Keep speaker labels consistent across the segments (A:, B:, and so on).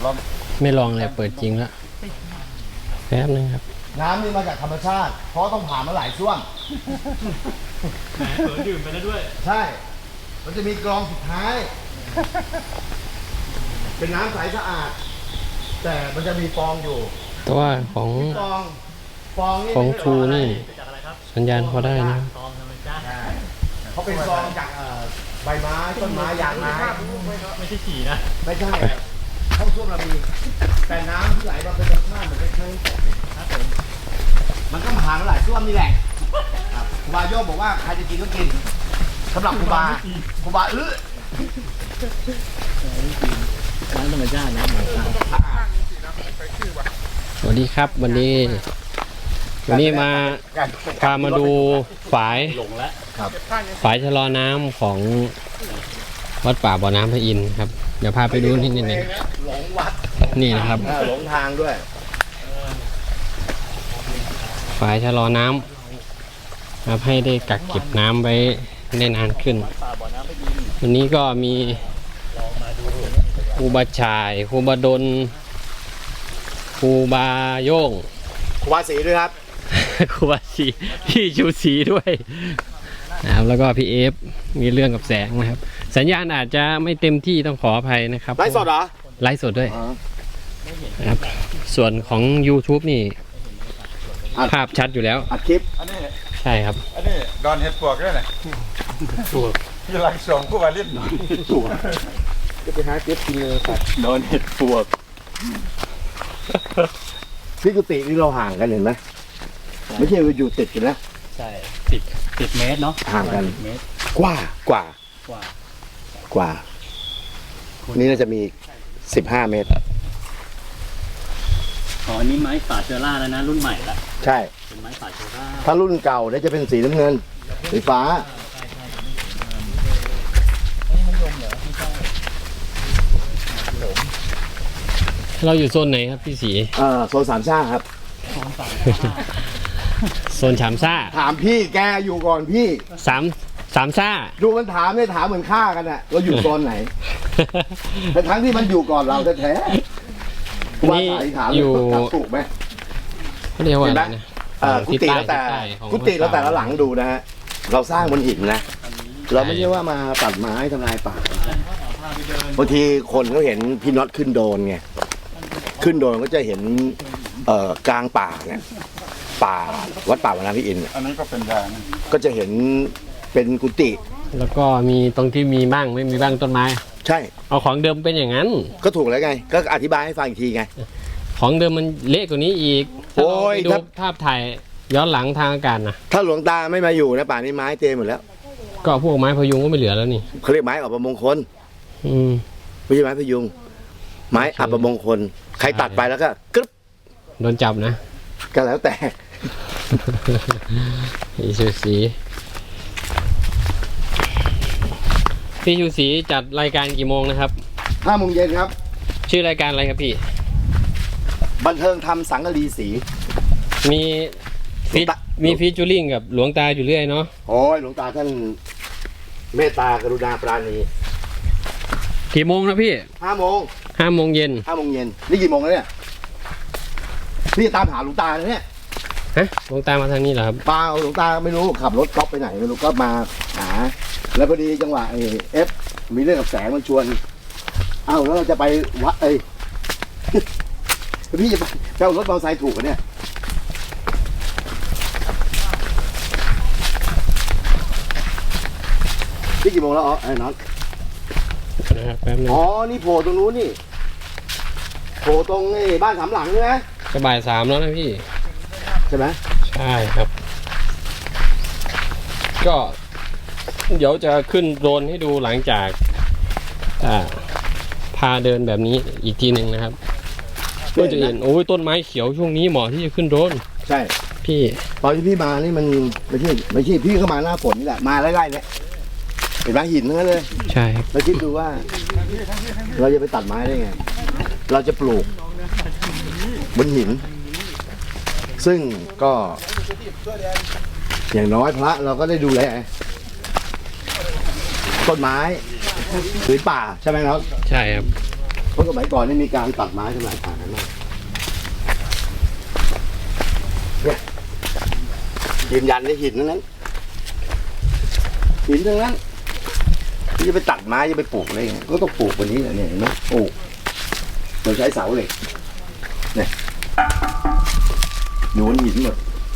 A: ไม่ลองเลยเปิดจริงแล้วแป๊บนึงครับ
B: น้ำนี่มาจากธรรมชาติเพราะต้องผ่านมาหลายช่วง
C: เผลอดื่มไปแล้วด้วย
B: ใช่มันจะมีกรองสุดท้ายเป็นน้ำใสสะอาดแต่มันจะมีฟองอยู่
A: แต่ว่าของ
B: นี่
A: ของทูนี่สัญญาณพอได้นะ
B: เขาเป็นฟองจากใบไม้ต้นไม้ยางไม้
C: ไม่ใช่ฉี่นะ
B: ไม่ใช่ห้องส้วมเรามีแต่น้ำที่ไหลมาเป็นธรรมชาติเหมือนเป็นเครื่องตกมันก็ผ่านมาหลายส้วมนี่แหละครูบาโยกบอกว่าใครจะกินก็กินสำหรับครูบา
C: น้ำธรรมชาตินะ
A: สวัสดีครับวันนี้มาพามาดูฝายฝายชะลอน้ำของวัดป่าบ่อน้ำพระอินทร์ครับเดี๋ยวพาไปดูนิดนึง
B: หลงวัด
A: นี่นะครับ
B: หลงทางด้วย
A: ฝายชะลอน้ำครับให้ได้กักเก็บน้ำไว้ได้นานขึ้นวันนี้ก็มีครูบาชายครูบาดลครูบาโย่ง
B: ครูบาศรีด้วยครับ
A: ครูบาศรีพี่ชูศรีด้วยนะครับแล้วก็พี่เอฟมีเรื่องกับแสงนะครับสัญญาณอาจจะไม่เต็มที่ต้องขออภัยนะครับ
B: ไลฟ์สดเหรอ
A: ไลฟ์สดด้วยนะครับส่วนของ YouTube นี่ภาพชัดอยู่แล้ว
B: อัดคลิป
A: ใช่ครับ
D: อันนี้ดอนเห็ดปวกด้วยนะปวกยี่หลังสองคู่บาลิน
B: ปวกจะไปหาเก็บกินเลยครับ
D: ดอนเห็ดปวก
B: พี่กุฏินี่เราห่างกันเห็นไหมไม่ใช่ว่าอยู่ติดกันนะ
C: ใช่10 เมตรเนาะ
B: ห่างกันกว่านี่น่าจะมี15 เมตร
C: อ๋ออันนี้ไม้ฝาเชอร่าแล้วนะรุ่นใหม่ละ
B: ใช่
C: เป็นไม้ฝาเชอร่า
B: ถ้ารุ่นเก่าเนี่ยจะเป็นสีน้ำเงินสีฟ้า
A: เราอยู่โซนไหนครับพี่ศรี
B: โซนสามซ่าครับ
A: โซนสามซ่า
B: ถามพี่แกอยู่ก่อนพี่
A: สามซ่า
B: ดูมันถามเนี่ยถามเหมือนฆ่ากันอะเราอยู่โซนไหนแต่ทั้งที่มันอยู่ก่อนเราแท้ๆ
A: นี่อยู่
B: ถูกไหม
A: เรียกว่าอะไรนะ
B: กุฏิแล้วแต่ละหลังดูนะฮะเราสร้างบนหินนะเราไม่ใช่ว่ามาตัดไม้ทำลายป่าบางทีคนเขาเห็นพี่น็อตขึ้นโดนไงขึ้นโดนก็จะเห็นกลางป่าเนี่ยป่าวัดป่าบ่อน้ำพระอินทร์
D: อันนี้ก็เป็นยาง
B: ก็จะเห็นเป็นกุฏิ
A: แล้วก็มีตรงที่มีบ้างไม่มีบ้างต้นไม้
B: ใช่
A: เอาของเดิมเป็นอย่างนั้น
B: ก็ถูกแล้วไงก็อธิบายให้ฟังอีกทีไง
A: ของเดิมมันเละกว่านี้อีกโอ้ยดูภาพถ่ายย้อนหลังทางอากาศนะ
B: ถ้าหลวงตาไม่มาอยู่นะป่านี้ไม้เต็มหมดแล้ว
A: ก็พวกไม้พยุงก็ไม่เหลือแล้วนี่
B: เขาเรียกไม้อัปมงคลไม่ใช่ไม้พยุงไม้อัปมงคลใครตัดไปแล้วก็กรึ๊บ
A: โดนจับนะ
B: ก็แล้วแต่
A: พี่ชูศรีจัดรายการกี่โมงนะครับ
B: 5 โมงเย็นครับ
A: ชื่อรายการอะไรครับพี่
B: บันเทิงทำสังกะรีสี
A: มีฟีเจอริ่งกับหลวงตาอยู่เรื่อยเนาะ
B: โอ้ยหลวงตาท่านเมตตากรุณาปราณี
A: กี่โมงนะพี่
B: 5 โมง
A: 5 โมงเย็น
B: นี่กี่โมงแล้วเนี่ยพี่ตามหาหลวงตาเนี่ย
A: ฮะหลวงตามาทางนี้เหรอครับ
B: เปล่าหลวงตาไม่รู้ขับรถก๊อปไปไหนไม่รู้ก็มาหาแล้วพอดีจังหวะเอฟมีเรื่องกับแสงมันชวนเอ้าแล้วเราจะไปวัดพี่จะไปเจ้ารถมอเตอร์ไซค์ถูกกันเนี่ยนี่กี่โมงแล้วไอ้น็อตอ๋อนี่โผล่ตรงนู้นนี่โผล่ตรงบ้าน3 หลังใช่ไหม
A: จะบ่าย 3แล้วนะพี่
B: ใช่ไหม
A: ใช่ครับก็เดี๋ยวจะขึ้นโดรนให้ดูหลังจากพาเดินแบบนี้อีกทีหนึ่งนะครับก็จะเห็นโอ้ยต้นไม้เขียวช่วงนี้เหมาะที่จะขึ้นโดรน
B: ใช่
A: พี่
B: ตอนที่พี่มานี่มันไม่ใช่พี่เข้ามาหน้าฝนนี่แหละมาไล่ๆเนี่ยเป็นไม้หินทั้งนั้นเลย
A: ใช่
B: เราคิดดูว่าเราจะไปตัดไม้ได้ไงเราจะปลูกบนหินซึ่งก็อย่างน้อยพระเราก็ได้ดูแลต้นไม้หรือป่าใช่ไหมครับ
A: ใช่ครับ
B: เพราะสมัยก่อนนี่มีการตัดไม้ทำลายป่ากันมากเนี่ยยืนยันในหินนั้นหินทั้งนั้นที่จะไปตัดไม้จะไปปลูกอะไรเงี้ยก็ต้องปลูกวันนี้แหละเนี่ยเห็นไหมปลูกโดยใช้เสาเหล็กเนี่ยอยู่บนหินหมด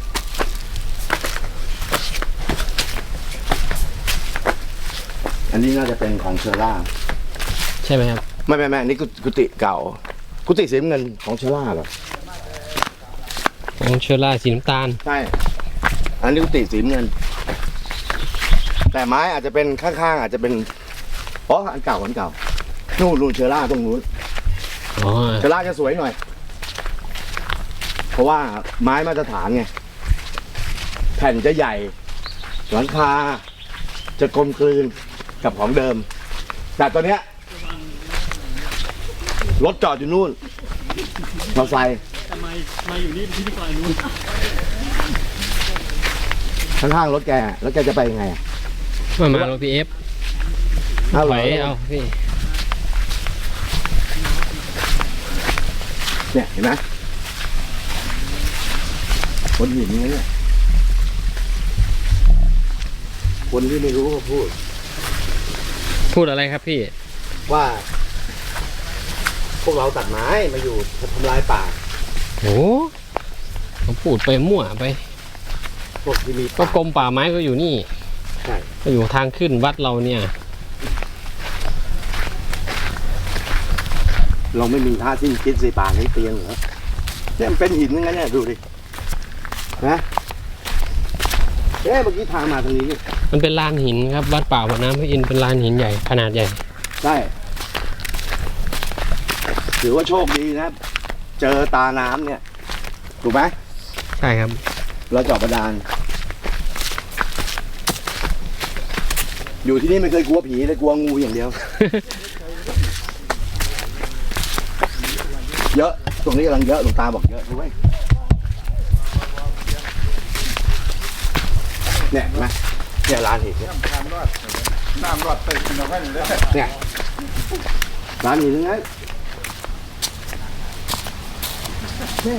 B: อันนี้น่าจะเป็นของเชอร่า
A: ใช่ไหมครับ
B: ไม่อันนี้กุฏิเก่า กุฏิสีน้ำเงินของเชอร่าเหรอ
A: ของเชอร่าสีน้ำตาล
B: ใช่ อันนี้กุฏิสีน้ำเงิน แต่ไม้อาจจะเป็นข้างๆอาจจะเป็นอ๋ออันเก่านู่นเชอร่าตรงนู้น
A: อ๋อ
B: เชอร่าจะสวยหน่อย เพราะว่าไม้มาตรฐานไงแผ่นจะใหญ่ หลังคาจะกลมกลืนกับของเดิม แต่ตัวเนี้ยรถจอดอยู่นู่นมอเตอร์ไซค์
C: ทำไมมาอยู่นี่ที่นี่ก่อนนู้น
B: ข้างๆรถแกแล้วแกจะไปยังไง
A: มารถพีเอฟ
B: เอา
A: ไห
B: ไห
A: ว
B: ว
A: เอาพี่
B: เนี่ยเห็นไหมคนหินนี้เนี่ยคนที่ไม่รู้ก็พูด
A: พูดอะไรครับพี่
B: ว่า พวกเราตัดไม้มาอยู่ทำลายป่า
A: โอ้เขาพูดไปมั่วไป
B: พวกที่มี
A: ก็กรมป่าไม้ก็อยู่นี่
B: ใช่
A: ก็อยู่ทางขึ้นวัดเราเนี่ย
B: เราไม่มีท่าที่คิดสิป่าให้เตียงเหรอเนี่ยมันเป็นหินอย่างนั้นเนี่ยดูดินะเอ๊ะเมื่อกี้ทางมาทางนี้นี่
A: มันเป็นลานหินครับ วัดป่าบ่อน้ำพระอินทร์เป็นลานหินใหญ่ขนาดใหญ่
B: ใช่ถือว่าโชคดีนะ เจอตาน้ำเนี่ย ถูกไหม
A: ใช่ครับ
B: เราเจาะบาดาลอยู่ที่นี่ไม่เคยกลัวผีเลยกลัวงูอย่างเดียว เยอะ ตรงนี้กำลังเยอะหลวงตาบอกเยอะด้วยเนี่ยเห็นไหมเนี่ยร้านหินเนี่ย
D: น้ำรอดเติมกินเอาไว้เลย
B: เนี่ยร้านหินทั้งนั้นเนี่ย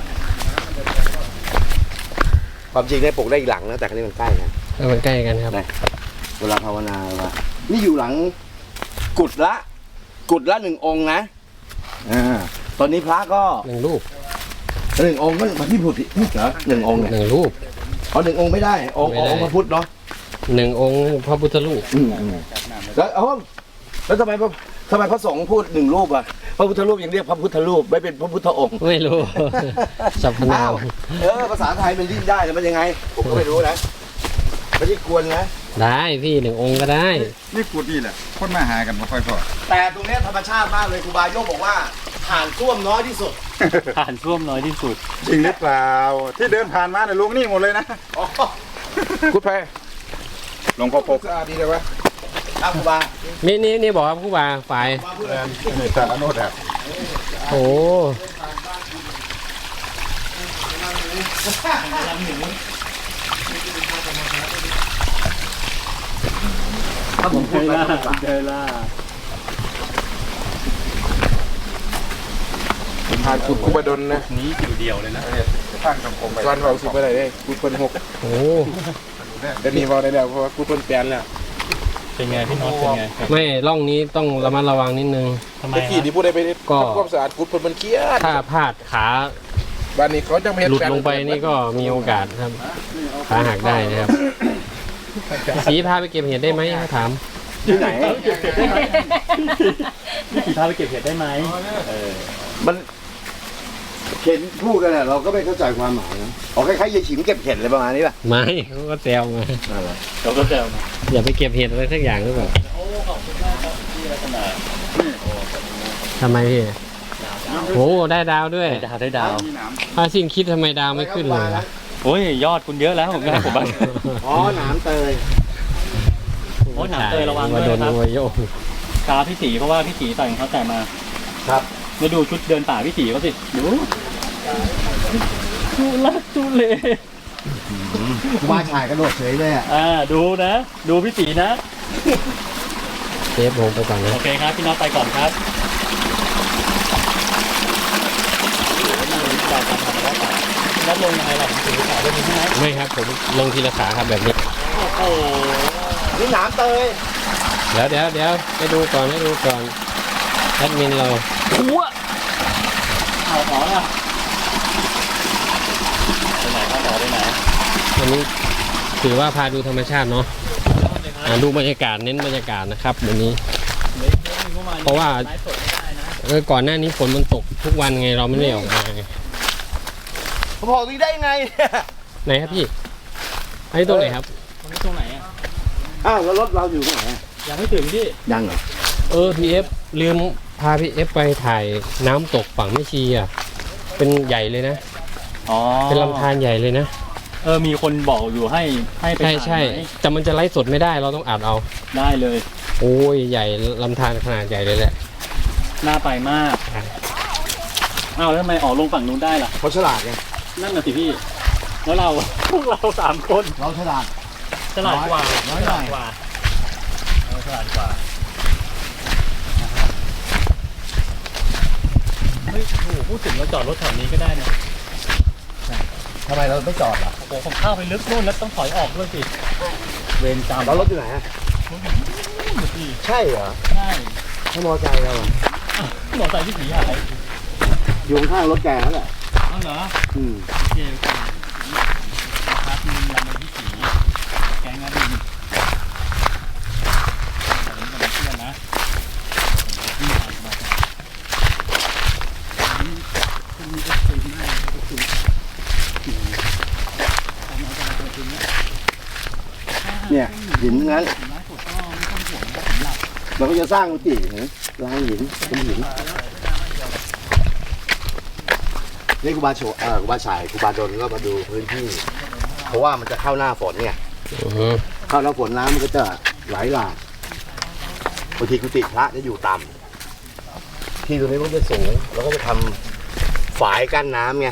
B: ความจริงเนี่ยปลูกได้อีกหลังนะแต่ครั้นี้มันใกล้กัน
A: มันใกล้กันครับ
B: เวลาภาวนาว่านี่อยู่หลังกุดละหนึ่งองค์นะตอนนี้พระก็
A: หนึ่งรูป
B: หนึ่งองค์ก็มาที่พุทธเหรอหนึ่งองค์เนี่ย
A: หนึ่งรูป
B: อ๋อหนึ่งองค์ไม่ได้องค์
A: ไม่ได้
B: พระพุทธเนาะ
A: หนึ่งองค์พระพุทธรูป
B: แล้วแล้วทำไมพระสงฆ์พูดหนึ่งรูปอะพระพุทธรูปยังเรียกพระพุทธรูปไม่เป็นพระพุทธองค์
A: ไม่รู้ สรรพนาม
B: ภาษาไทยมันดิ้นได้แต่มันยังไง ผมก็ไม่รู้นะไม่ใช่กวนนะ
A: ได้พี่หนึ่งองค์ก็ได้
D: นี่กูนี่แหละคนมาหากันมาค่อยพอ
B: แต่ตรงเนี้ยธรรมชาติมากเลยครูบาโยกบอกว่าผ่านส้วมน้อยที่สุด
C: ผ่านท่วมน้อยที่สุด
D: จริงหรือเปล่า ที่เดินผ่านมาเนี่ยลงนี่หมดเลยนะ
B: อ๋อ
D: กุดไปหลวงพ่อปกสะอาดดีเลยวะ
B: ครับครูบา
A: นี่บอกครับผู้บ่าฝ่าย
B: ครูบาพูดอะไร
D: นี่ตาโนดอะ
A: โอ้
B: ถ้าผมพูดไป
C: เจล่า
D: ผ่านกุดคุบดลนะ
C: นี้อยู่เดียวเลยนะ
D: ผ่านสังคมไปวันเราสิบอะไรได้กุดคนหก
A: โห
D: เดี๋ยวนี้พอได้แล้วเพราะว่ากุดคนแปลนแล้ว
C: เป็นไงพี่น็อตเป็นไงครับ
A: ไม่ร่องนี้ต้องระมัดระวังนิดนึง
C: ทำไม
D: เมื่อกี้ที่พูดได้ไป
A: ก็
D: ทำความสะอาดกุดคนมันเครียด
A: ถ้าพลาดขา
D: บ้านนี้เขาจะไม่เห็น
A: หลุดลงไปนี่ก็มีโอกาสครับขาหักได้นะครับสีพาไปเก็บเห็ดได้ไหมถาม
B: ที่ไหน
C: พี่ขี่พาไปเก็บเห็ดได้ไหม
B: มันเห็นพูดกันเนี่ยเราก็ไม่เข้าใจความหมายนะอ๋อคล้ายๆยายฉิมเก็บเห็ดอะไรประมาณนี้ป่ะ
A: ไม่เขาก็แซวมา
C: เราก็เจอมา
A: อย่าไปเก็บเห็ดอะไรสักอย่างหรือเปล่า
C: โอ้ขอบคุณมากครับที่รัตนา
A: ทำไมพี่โอ้ได้ดาวด้วย
C: ได้ดาว
A: พาสิ้นคิดทำไมดาวไม่ขึ้นเลยล่ะ
C: โอ้ยยอดคุณเยอะแล้วผมก็ผมบ้าง
B: อ๋อหนามเตย
C: โอ้ยหนามเตยระวังด้
A: มา
C: วย
A: โดน
C: นะครับ
A: วัวโยก
C: ตาพี่สีเพราะว่าพี่สีใส่รองเท้าแตะมา
B: ครับ
C: มาดูชุดเดินป่าพี่สีเขาสิดูทุลักทุเล
B: ครูบาชายกระโดดเฉยเลยอ่ะ
C: ดูนะ ดูพี่สีนะ
A: เซฟผมไปก่อนนะ
C: โอเคครับพี่น็อตไปก่อนครับลงยังไงล่ะถือขาลงใช่ไหม
A: ไม่ครับผมลงทีละขาครับแบบนี้
C: โอ้โห
B: นี่หนามเตย
A: เดี๋ยวไปดูก่อนแอดมินเรา
C: หัวเอาต่อละไปไหนครับต่อไปไหน
A: วันนี้ถือว่าพาดูธรรมชาติเนาะดูบรรยากาศเน้นบรรยากาศนะครับวันนี้ เพราะว่า
C: ไลฟ์สดไม่ได้นะ
A: ก่อนหน้านี้ฝนมันตกทุกวันไงเราไม่ได้ออกมาไง
B: ผมบอกนี่ได้ไงเนี่ย
A: ไหนครับพี่ไอ้ตรงไหนครับ
C: มันตรงไหนอ่ะ
B: อ้าวแล้วรถเราอยู่ตรงไหนอะ
C: ยังไม่ถึงพี่
B: ยังเหรอ
A: พีเอฟลืมพาพี่เอฟไปถ่ายน้ำตกฝั่งแม่ชีอ่ะเป็นใหญ่เลยนะ
C: อ๋อ
A: เป็นลำธารใหญ่เลยนะ
C: มีคนบอกอยู่ให้ไป
A: ใช่
C: ถ่ายไหม
A: แต่มันจะไลฟ์สดไม่ได้เราต้องอัดเอา
C: ได้เลย
A: โอ้ยใหญ่ลำธารขนาดใหญ่เลยแหละ
C: น่าไปมากอ้าวแล้วทำไมออกลงฝั่งนู้นได้ล่ะ
B: เขาฉลาดไง
C: นั่นน่ะสิพี่ แล้วเรา พวกเรา3 คน
B: เราฉลาด
C: ฉลาดกว่า
B: น้อยหน่อย
C: ฉลาดกว่าฉลาดกว่าเฮ้ยโอ้โหพูดถึงเราจอดรถแถวนี้ก็ได้นะ
B: ทำไมเราไม่จอดล่ะ
C: โอ้โหผมเข้าไปลึกนู่นแล้วต้องถอยออกด้วยสิเวรกรรม
B: แล้วรถอยู่ไหนอะ
C: พี่
B: ใช่เหรอ
C: ใช่
B: ถ้ามอไซค์เราอะ
C: หมอใส่พี่ผีหาย
B: อยู่ข้างๆรถแกนั่นแหละ
C: อ้าวเหรอ
B: อืม
C: โอเคโอเคครับมีลำในพี่ผีแกงอดินผมกับเพื่อนนะนี่ผ่านมาคุณมีก็คุยมากก็คุย
B: เนี่ยหินนั้น
C: ร้านสดก็ไม่ต้องห่วงนะผมหลับ
B: เราก็จะสร้างกุฏินะลายหินเป็นหินนี่ครูบาโชครูบาฉายครูบาดลก็มาดูพื้นที่ เพราะว่ามันจะเข้าหน้าฝนเนี่ย เข้าหน้าฝนน้ำมันก็จะไหลหลากบางทีกุฏิพระจะอยู่ต่ำที่ตรงนี้มันจะสูงเราก็จะทำฝายกั้นน้ำไง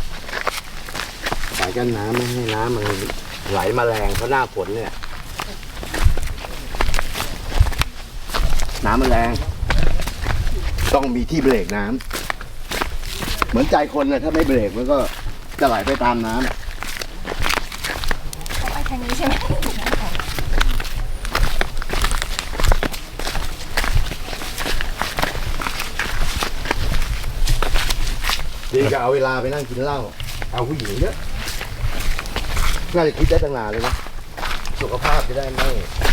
B: ฝายกั้นน้ำไม่ให้น้ำมันไหลมาแรงเพราะหน้าฝนเนี่ยน้ำมันแรงต้องมีที่เบรกน้ำเหมือนใจคนเนี่ยถ้าไม่เบรกมันก็จะไหลไปตามน้ำ
E: ไปทางนี้ใช่ไหม
B: ดีก็เอาเวลาไปนั่งกินเหล้าเอาผู้หญิงเยอะน่าจะคิดได้ตั้งนานเลยนะสุขภาพจะได้ไม่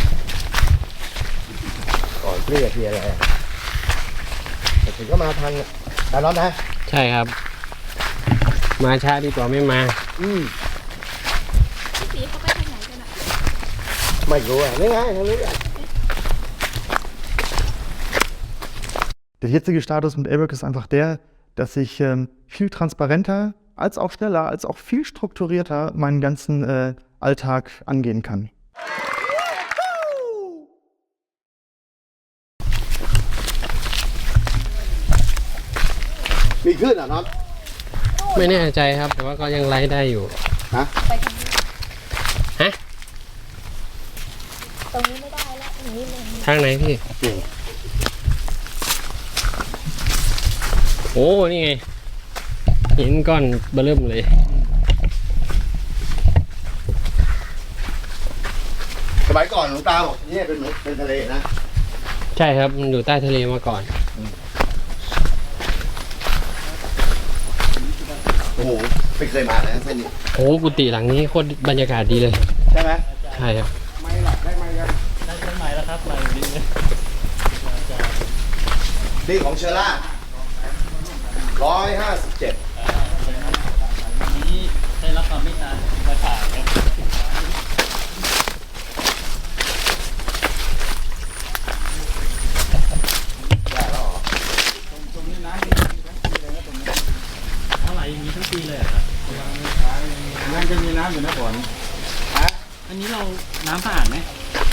B: ก่อนเพลียอะไรแต่ถึงก็มาทันอ่ะแต่ร้อนนะ
A: ใช่ครับ มาช้าดีกว่าไม่มา
E: พี่สีเขาไปทางไหนกันอ่ะ
B: ไม่รู้อ่ะนี่ไงทางนี้อ่ะ
F: Der jetzige Status mit ABAC ist einfach der, dass ich viel transparenter, als auch schneller, als auch viel strukturierter meinen ganzen Alltag angehen kann.
B: มีขึ้นอ่ะน็อต
A: ไม่แน่ใจครับ แต่ว่าก็ยังไลฟ์ได้อยู่
E: ไปทางนี้
A: ฮะ
E: ตรงนี้ไม่ได้แล้วอย่างนี้เลย
A: ทางไหนพี่ โอ้ นี่ไงหินก้อนเบอเริ่มเลย
B: สมัยก่อนหลวงตาบอกนี่เป็นทะเลนะ
A: ใช่ครับ มันอยู่ใต้ทะเลมาก่อน
B: โอ้โหไม่เคยมาเลยนะเส้นนี้
A: โอ้กุฏิหลังนี้โคตรบรรยากาศดีเลย
B: ใช่ไหม
A: ใช่ครับ
B: ไม่หรอกได้ไหมกัน
C: ได้เช่นไหนแล้วครับมาดีเลย
B: นี่ของเชอร่า157
C: นี้ได้รับความเมตตามาถ่ายนะ เท่าไหร่อย่างนี้ทั้งปีเลยเหรอครับ
D: นั่นก็มีน้ำอยู่นะฝน
C: อันนี้เราน้ำสะอาดไหม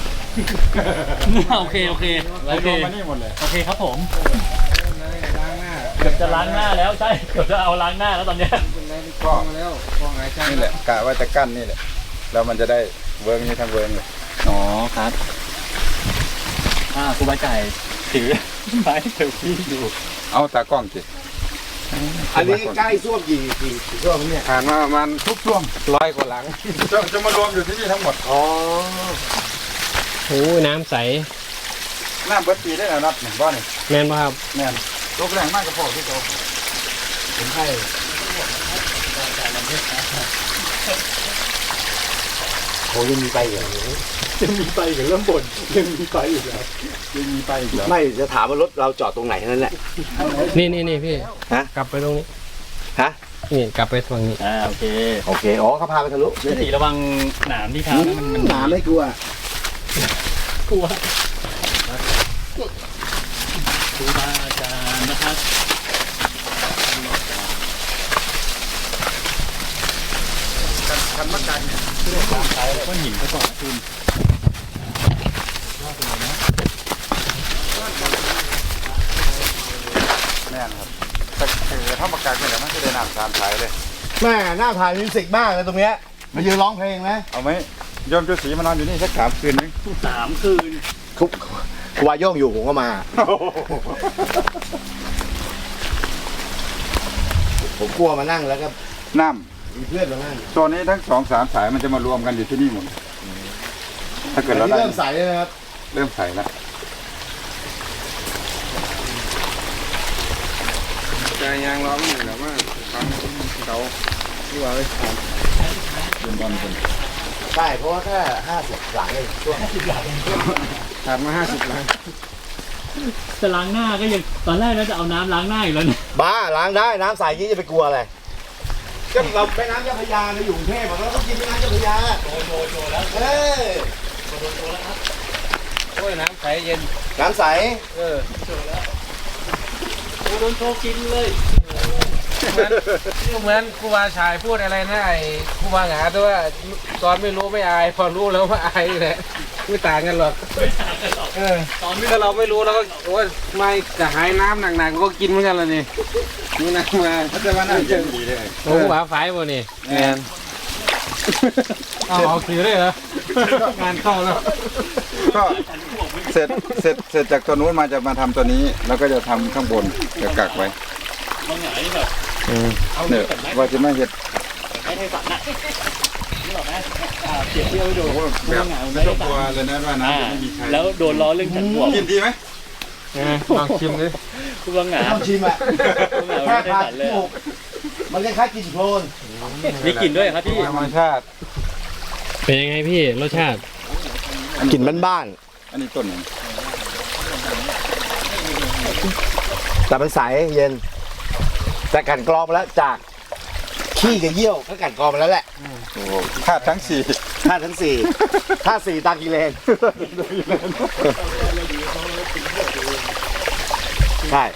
C: โอเคโอเค
D: ไหล
C: โอ
D: ล
C: เค
D: งมานี่หมดเลย
C: โอเคครับผม
D: ล้างหน้า
C: เกือบจะล้างหน้าแล้วใช่เกือบจะเอาล้างหน้าแล้วตอนเนี้ย
D: ก็นี่แหละกะว่าจะกั้นนี่แหละแล้วมันจะได้เวิร์กนี้ทั้งเวิร์กเลย
C: อ๋อครับครูบาไก่ถือไม้เซลฟี่อยู่
D: เอาตากล้องสิ
B: อันนี้ใกล้ส้วมกี่ส้วมเนี่ย
D: ผ่านมาประมาณทุกช่วง100 กว่าหลังจะมารวมอยู่ที่นี่ทั้งหมด
B: อ๋อ
A: โอ้น้ำใส
D: น้ำเบิดปีได้แล้วนับหนึ่งบ้านนี่
A: แม่นป่ะครับ
D: แม่นตกแรงมากกระพอที่เขา
B: ผมให้ โอ้ยังมีไปเหรอ
C: ยังมีไปกับเริ่มบ่นยังมีไปอีกแล้ว
D: ยังมีไปอีกเหรอ
B: ไม่จะถามว่ารถเราจอดตรงไหนนั่นแหละ
A: นี่พี่
B: ฮะ
A: กลับไปตรงนี้
B: ฮะ
A: นี่กลับไปฝั่งนี้
C: โอเค
B: โอเค อ๋อเขาพาไปทะลุ
C: พี่ตีระวังหนามที่เท้านะมัน
B: หนาไม่กลัว
C: กลัวครูบาอาจารย์นะครับก้อนหินเขาก่อนนะคุณ
D: แม่นครับแต่ถ้าประกาศเนี่ยมันจะได้น้ำ3 สายเลย
B: แม่หน้าถ่ายมิวสิกมากเลยตรงเนี้ยมายืนร้องเพลงไหม
D: เอาไหมโยมจุสีมานอนอยู่นี่สัก3 คืนนึง
C: 3 คืน
B: คุกครูวาโย่งอยู่ผมก็มา ผมกลัวมานั่งแล้วก็
D: น้
B: มีเพื่อนมานั่ง
D: ำโซนนี้ทั้ง2-3 สายมันจะมารวมกันอยู่ที่นี่หมดถ้าเกิดเรา
B: อันนี้
D: ได้
B: เริ่มใสเลยนะครับ
D: เริ่มใส่แล้วใจยางร้องอยู่แล้วว่าฟังเขาที่ว่าเลยครับเดินบอลคน
B: ใช่ เพราะว่าแค่50 หลังเองช่วง
D: ขาดมา50 หลัง
C: จะล้างหน้าก็ยังตอนแรกเราจะเอาน้ำล้างหน้าอยู่แล้วเนี่ย
B: บ้าล้างได้น้ำใสยี่จะไปกลัวอะไรก็เราแม่น้ำเจ้าพระยาเราอยู่กรุงเทพเราต้องกินแม่น้ำเจ้าพระยาโชว์แล้วเอ้ย
A: โอ้ยน้ำใสเย็น
B: น้ำใส
C: โดนโชว์กินเลย
A: เหมือนครูบาชายพูดอะไรนะไอ้ครูบาหงาตัวว่าตอนไม่รู้ไม่อายพอรู้แล้วว่าอายแหละไม่ต่างกันหรอก
C: ไม่ต่างกันหรอก
A: ตอนถ้าเราไม่รู้เราก็โอ้ยไม่กระหายน้ำหนักๆก็กินเหมือนกันเลยนี่นี่นะมา
D: เขาจะมานั่งเย็นดีเลย
A: โอ้หวาฝายบ่นี่แมนเอาคือได้เหรองานเข้าแล้ว
D: ก็เสร็จจากตัวนู้นมาจะมาทำตัวนี้ แล้วก็จะทำข้างบนจะกักไว้
C: บางอย่างนี่แบบ
D: เนี่ยว่าจะไม่เห็ด
C: ไม่ให้ฝันนะนี่หรอกนะเปรียบเทียบให้ดู
D: แบบไม่ต้องกลัวเลยนะว่าน้ำจะไม่มีใคร
C: แล้วโดนล้อเรื่องฉันบวก
D: กินดีไหม
A: ลองชิมดิ
C: คุณบางหงา
B: ต้องชิมอ่ะ
C: คุณบางหงา
B: แค่
C: ไม่ได้
B: พา
C: ฝันเลย
B: ถูกมันคล้ายๆกลิ่นโคลน
C: มีกลิ่นด้วยครับพี่
D: ธรรมชาติ
A: เป็นยังไงพี่รสชาติ
B: กลิ่นบ้าน
D: อันนี้ต้นหนึ่ง
B: ๆแต่มันใสเย็น แต่กลั่นกรองมาแล้วจากขี้กับเยี่ยวก็กลั่นกรองมาแล้วแหละ
D: โอ้โหธาตุทั้ง 4
B: ธาตุทั้ง4ธาตุ4ตากิเลนใช่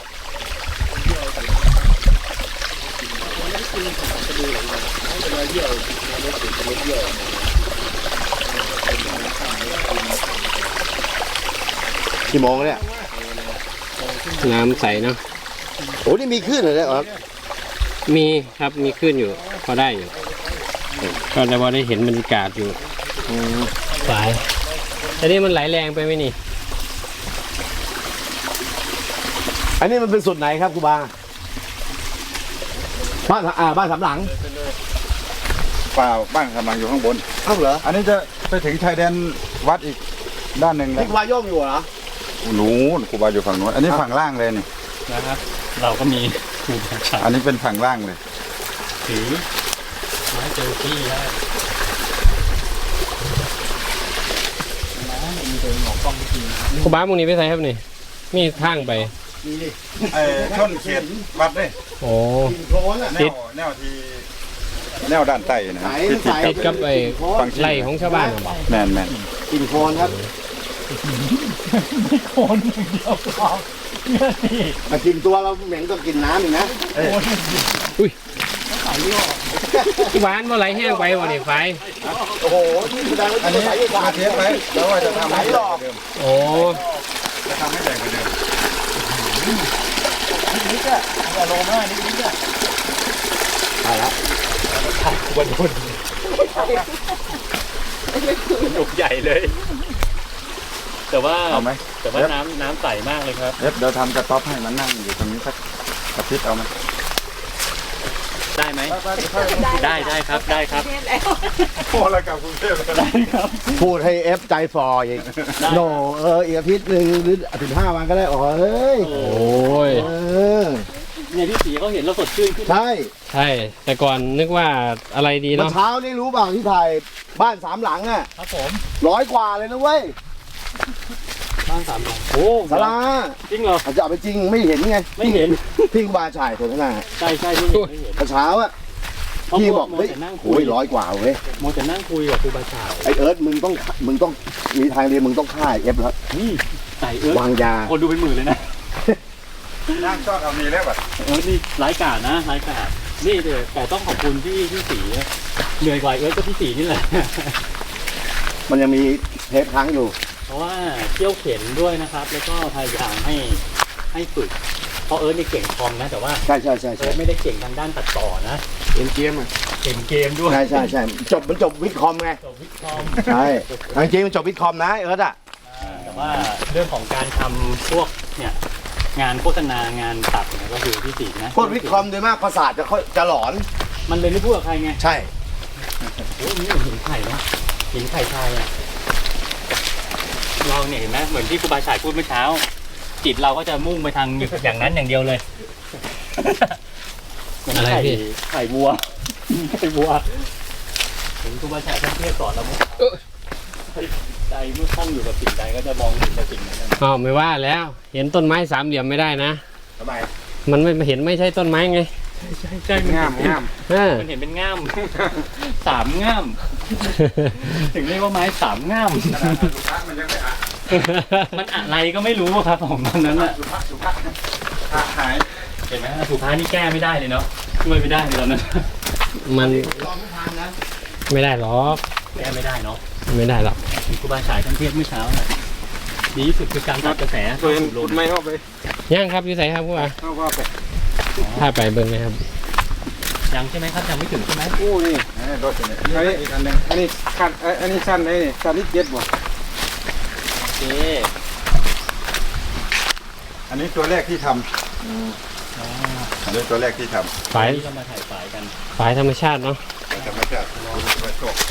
B: กี่โมงแล้วเนี่ย
A: น้ำใสเนาะ
B: โอ้นี่มีขึ้นเลยเนี่ยครับ
A: มีครับมีขึ้นอยู่พอได้อยู่ก็ได้พอได้เห็นบรรยากาศอยู่สายแต่นี่มันไหลแรงไปไหมนี่
B: อันนี้มันเป็นส่วนไหนครับครูบาบ้านสามหลัง
D: เปล่าบ้านกำลังอยู่ข้างบน
B: เอ้าเหรอ
D: อันนี้จะไปถึงชายแดนวัดอีกด้านหนึ่งแล้
B: นี่
D: ว
B: ครูบาโย่งอยู่เหรอ
D: นู้นครูบาอยู่ฝั่งนู้นอันนี้ฝั่งล่างเลยนี่
C: นะครับ เราก็มีครูบาอาจาร
D: อัน
C: ย์
D: นี้เป็นฝั่งล่างเลย
C: ถือไม้เจอที่ได้มีตัวหงอกกล้องจริง
A: ครูบ้ามึงนี้ไปใส่ครับนี่มีทางไป
B: มีดิ
D: ไอ้ชนเขตวัดเลย
A: โอ้
B: กลิ่นโคลนอ่ะ
D: แนวที่แนวด้านใต้นะ
B: ใส
D: ที่
B: ใส
A: ติดกับไอ้
D: ฝั่งที่
A: ไร่ของชาวบ้านน่ะบอก
D: แมนแมน
B: กลิ่นโคลนครับ
C: ไม่โคนอย่างเดียวพอเนี่ยนี่
B: แต่กลิ่นตัวเราเหม็นกว่ากลิ่นน้ำอีกนะ
A: ที่บ้านว่าไหลแห้งไปวะนี่ไฟ
B: โอ้โหนี่แสดงว่า
D: อัน
B: ที่
D: นี้
B: ใสอยู่กว่า
D: มาเทสไว้แล้วว่าจะทำให้ใหญ่กว่าเดิม
A: โอ้
D: จะทำให้ใหญ่กว่าเดิม
C: นิดอะอย่าลงมากนิดอะ
B: ใช่แล้ว
C: หนุกใหญ่เลย แต่ว่า
D: เอาไหม
C: แต่ว่าน้ำใสมากเลยครับ
D: เดี๋ยวทำกระต๊อบให้มันนั่งอยู่ตรงนี้สักอาทิตย์เอาไหม
C: ได้ไหมได้ครับได้ครับ
D: โอ้แล้วกลับกรุงเทพเลย
C: ได้ครับ
B: พูดให้เอฟใจฟออีกโนอีกอาทิตย์หนึ่งหรือ15 วันก็ได้อ๋อเฮ้ย
A: โอ้ย
B: เออ
C: เนี่ยพี่สีเขาเห็นเราสดชื่นขึ้น
B: ใช่
A: ใช่ แต่ก่อนนึกว่าอะไรดี
B: เมื่อ
A: เนาะ
B: เช้านี่รู้เปล่าที่ถ่ายบ้าน3 หลังอ่ะ
C: ครับผม
B: 100 กว่าเลยนะเว้ย
C: บ้าน3 หลังโอ้
B: สารา
C: จริงเหรอ
B: อาจจะเอาไปจริงไม่เห็นไง
C: ไม่เห็น
B: ที่ครูบาฉายสนทนา
C: ใช่ไม่เห็นไม่เห็น
B: เมื่อเช้าอ่ะพี่บอกเฮ้ย
C: แต่นั่งคุ
B: โอ้
C: ย
B: ย100 กว่าเว้ย
C: โมแต่นั่งคุยกับครูบาฉาย
B: ไอเอิร์ธมึงต้องมีทางเรียนมึงต้องฆ่าเอฟแล้ว
C: นี่ใส่เอิร์ธ
B: วางยา
C: คนดูเป็นหมื่นเลยนะ
D: นั่งชอบเอานี้แล้วแบบ
C: เอิร์ธนี่ร้ายกาจนะร้ายกาจนี่เลยแต่ต้องขอบคุณพี่สีเหนื่อยกว่าเอิร์ธก็พี่สีนี่แหละ
B: มันยังมีเทปค้างอยู่
C: เพราะว่าเที่ยวเข็นด้วยนะครับ แล้วก็พยายามให้ฝึกเพราะเอิร์ธนี่เก่งคอมนะแต่ว่า
B: ใช่
C: เอิร์ธไม่ได้เก่งทางด้านตัดต่อนะ
B: เล่นเกมอ่ะ
C: เก่งเกมด้วย
B: ใช่มันจบวิทย์คอมไง
C: จบวิทย์คอม
B: ใช่จริงๆมันจบวิทย์คอมนะเอิร์ธอ่ะ
C: แต่ว่าเรื่องของการทำพวกเนี่ยงานโฆษณางานตัดเนี่ยก็คือพี่สีนะ
B: พวกวิทย์คอมโดยมากประสาทจะหลอน
C: มันเลยไม่พูดกับใครไง
B: ใช่
C: โอ้ยนี่เหมือนหินไข่เนาะหินไข่ทรายอ่ะเราเนี่ยเห็นไหมเหมือนที่ครูบาฉายพูดเมื่อเช้า จิตเราก็จะมุ่งไปทางอย่างนั้นอย่างเดียวเลยเหมือน
A: อะไรพี่
C: ไข่วัวไข่วัวเห็นครูบาฉายท่านเทศสอนเราเมื่อใจเมื่อคล่องอยู่กับสิ่งใดก็จะมองเห็นแต่สิ่งนั้น
A: อ๋อไม่ว่าแล้ว เห็นต้นไม้สามเหลี่ยมไม่ได้นะ
B: ทำไม
A: มันไม่เห็นไม่ใช่ต้นไม้ไง
C: ใช่งาม
A: เออ
C: มันเห็นเป็นง่าม สามง่าม ถึงเรียกว่าไม้สามง่าม
D: มันยังไม่อ่ะ
C: มันอะไรก็ไม่รู้ครับผมตอนนั้นอะ
D: สุภาพหาย
C: เห็นไหมสุดท้ายนี่แก้ไม่ได้เลยเนาะช่วยไม่ได้เลยตอนนั้น
A: มัน
B: ลองทุกทางนะ
A: ไม่ได้หรอก
C: แก้ไม่ได้เนาะ
A: ไม่ได้หรอก
C: ครูบาฉายท่านเทศเมื่อเช้าน่ะดีที่สุดคือการตัดกระแส
D: ตัวเองหลุดไม่เข้าไป
A: ย่างครับอยู่ใส่ครับผู้ว่า
D: เข้าว่าไป
A: ถ้าไปเบิ่งไหมครับ
C: ยังใช่ไหมครับยังไม่ถึงใช่ไหม
D: อู้นี่รถเนี่ยอันนี้อีกอันหนึ่งอันนี้ขั้นอันนี้สั้นไอ้นี่สั้นที่7บ่
C: โอเค
D: อันนี้ตัวแรกที่ทำอันนี้ตัวแรกที่ท
A: ฝาย
C: นี่เรามาถ่ายฝายกัน
A: ฝายธรรมชาติเนาะ
D: ำธรรมชาติไปตก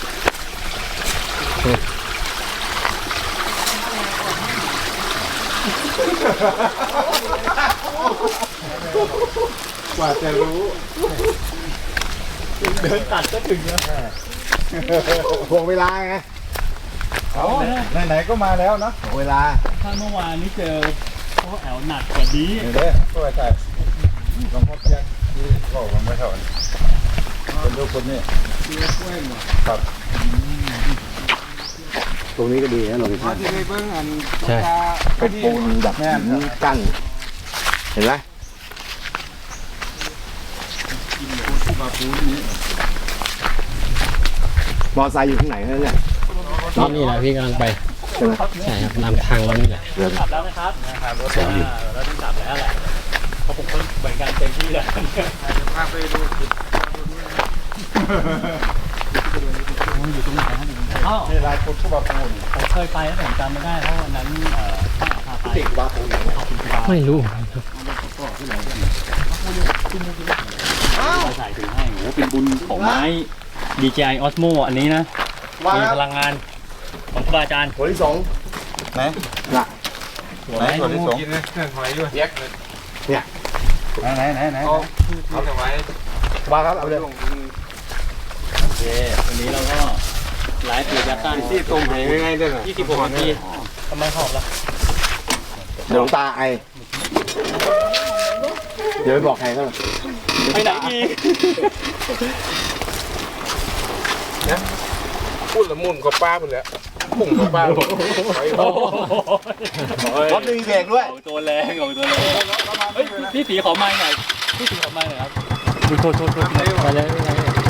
D: กว่าจะรู้
C: เดินตัดก็ถึงแล้ว
B: ห่วงเวลาไง
D: เอาไหนๆก็มาแล้วเนาะ
B: ห่วงเวลา
C: ถ้าเมื่อวานนี้เจอพ่อแอลหนักกว่านี้
D: นี่เด้อก็ใช่หลวงพ่อเพียงที่บอกว่าไม่เท่ากันเป็นลูกคนนี้ครับ
B: ตรงนี้ก็ดีนะหลวงพ่อ
D: ที่ไปเบิ้งอัน
A: ใช่
B: เป็นปูนแบบกั้นเห็นไหม
D: มาปูนี้
B: มอไซค์อยู่ข้างไหนนั่นเนี่ย
A: นี่แหละพี่กำลังไป
B: ใช่ไหม
A: ใช่ครับนำทางเรานี่แหละ
B: เดี๋ยว
C: กลับแล้วนะครับรถเราต้องกลับแล้วแหละเพราะผมก็เหมือนกันเต็มที่แล้ว
D: พาไปดู
C: อยู่ตรงไหนครับอ๋อ
D: นี่ลายคนผู้บาปูน
C: ผมเคยไปแล้วผมจำไม่ได้เพราะวันนั้นป้าพาไป
B: ติดวาปูน
C: ขอบคุณครับ
A: ไม่รู้
C: มาถ่ายถึงให้โอ้เป็นบุญของไม้ DJI Osmo อันนี้นะ
B: ว่า
C: มีพลังงานของครูบาอาจารย์
B: หัวที่สอง
D: ไหน
B: น่ะ
D: ไหนตัวที่สองกินนะเครื่องหอยด้วยไหนเอาไว้
B: ว่าครับเอาเลย
C: โอเควันนี้เราก็ไลฟ์อยู่ยัตตัน
D: ที่ตรงไหนง่ายๆด้วยนะ
C: 26นาทีทำไมหอบล่ะ
B: เดี๋ยวหลวงตาไอเดี๋ยวไปบอกใครก็
C: ไปไหนดี
G: พูดละมุนกับป้าไปแล้วพุ่งกับป้าไป
B: รถไม่มีเบรกด้วย
C: ออกตัวแรงออกตัวแรงเฮ้ยพี่สีขอไม้หน่อยพี่สีขอไม้หน่อยครับโทษ
A: ไปเลย